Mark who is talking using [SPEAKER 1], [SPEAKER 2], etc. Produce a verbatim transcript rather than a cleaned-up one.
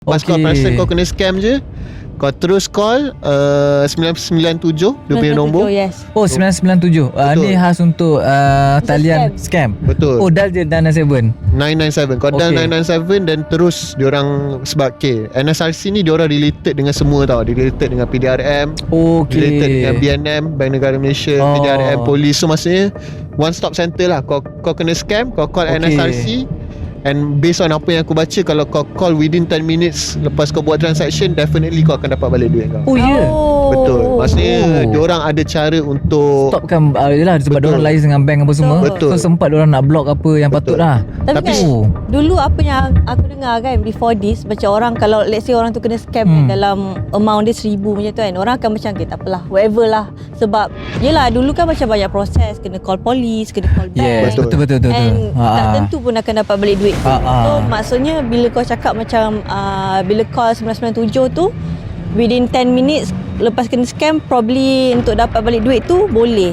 [SPEAKER 1] Pas
[SPEAKER 2] Okay.
[SPEAKER 1] kau perasan kau kena scam je, kau terus call uh, sembilan sembilan tujuh dia punya nombor.
[SPEAKER 3] Yes.
[SPEAKER 2] Oh sembilan sembilan tujuh. uh,
[SPEAKER 1] Betul.
[SPEAKER 2] Ni khas untuk uh,
[SPEAKER 3] Untuk
[SPEAKER 2] talian scam.
[SPEAKER 1] Betul.
[SPEAKER 2] Oh dial je nine nine seven.
[SPEAKER 1] nine nine seven. Kau dial
[SPEAKER 2] Okay.
[SPEAKER 1] nine nine seven dan terus diorang, sebab okay, N S R C ni diorang related dengan semua tau. Dia related dengan P D R M,
[SPEAKER 2] Okay.
[SPEAKER 1] related dengan B N M, Bank Negara Malaysia,
[SPEAKER 2] Oh.
[SPEAKER 1] P D R M, polis. So maksudnya one stop center lah. Kau kau kena scam, kau call
[SPEAKER 2] Okay.
[SPEAKER 1] N S R C. And based on apa yang aku baca, kalau kau call within ten minutes lepas kau buat transaction, definitely kau akan dapat balik duit kau.
[SPEAKER 2] Oh ya yeah.
[SPEAKER 3] Oh.
[SPEAKER 1] Betul. Maksudnya
[SPEAKER 2] Oh.
[SPEAKER 1] diorang ada cara untuk
[SPEAKER 2] Stopkan uh, yelah, sebab
[SPEAKER 1] Betul.
[SPEAKER 2] diorang liaise dengan bank apa semua.
[SPEAKER 1] Betul.
[SPEAKER 2] So sempat diorang nak block apa yang
[SPEAKER 1] Betul.
[SPEAKER 2] patut lah.
[SPEAKER 3] Tapi,
[SPEAKER 1] Tapi-
[SPEAKER 3] kan
[SPEAKER 2] Oh.
[SPEAKER 3] dulu apa yang aku dengar kan before this, macam orang kalau let's say orang tu kena scam
[SPEAKER 2] Hmm.
[SPEAKER 3] kan, dalam amount dia seribu macam tu kan, orang akan macam okay, tak apalah, whatever lah. Sebab yelah dulu kan macam banyak proses, kena call polis, kena call bank.
[SPEAKER 2] Yes,
[SPEAKER 1] Betul.
[SPEAKER 2] betul betul betul. betul.
[SPEAKER 3] And
[SPEAKER 2] Ha,
[SPEAKER 3] tak
[SPEAKER 2] ha.
[SPEAKER 3] tentu pun akan dapat balik duit tu.
[SPEAKER 2] Ha, ha.
[SPEAKER 3] So maksudnya bila kau cakap macam uh, bila call sembilan sembilan tujuh tu within ten minutes lepas kena scam, probably untuk dapat balik duit tu boleh.